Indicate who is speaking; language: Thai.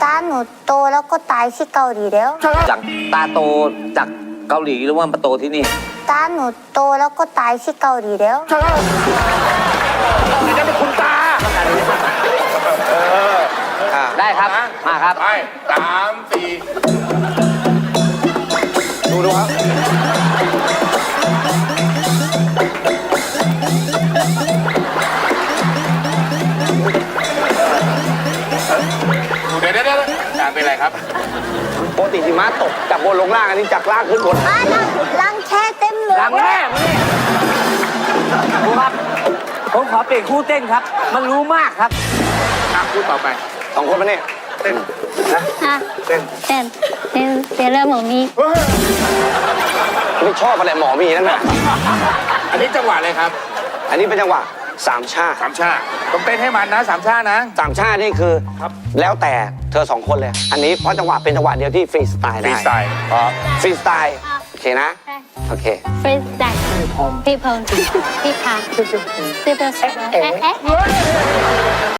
Speaker 1: ตาหนูโตแล้วก็ตายที่เกาหลีแล้ว
Speaker 2: จากตาโตจากเกาหลีหรือว่ามาโตที่นี่
Speaker 1: ตาหนูโตแล้วก็ตายที่เกาหลีแล้ว
Speaker 3: นี่จะเป็นคุณตา
Speaker 2: ได้ครับมาครับ
Speaker 3: ไป3 4ดูครับเดี๋ยวการเป็นอะไรครับ
Speaker 4: ปกติหิมะตกจากบนลงล่างอันนี้จากล่างขึ้นบน
Speaker 1: ลังแช่เต็มเลย
Speaker 2: หลังแม่มานี่ครูครับ ผมขอเปลี่ยนคู่เต้นครับ มันรู้มากครับ
Speaker 3: พูดต่อไป
Speaker 4: 2 คนมาเนี่ย
Speaker 1: ฮะเต้นเริ่มหมอมี
Speaker 4: ไม่ชอบอะไรหมอมีนั่นน่ะ
Speaker 3: อันนี้จังหวะเลยครับ
Speaker 4: อันนี้เป็นจังหวะสามชา
Speaker 3: 3 ชาต้องเต้นให้มันนะ3 ชานะ
Speaker 4: สามชานี่คือแล้วแต่เธอ 2 คนเลย อันนี้เพราะจังหวะเป็นจังหวะเดียวที่ฟรีสไตล์ได้
Speaker 3: freestyle
Speaker 4: ฟรีสไตล์โอเคนะ โอเค
Speaker 1: เฟรนด์แดกพี่พงพี่พาพี่เบล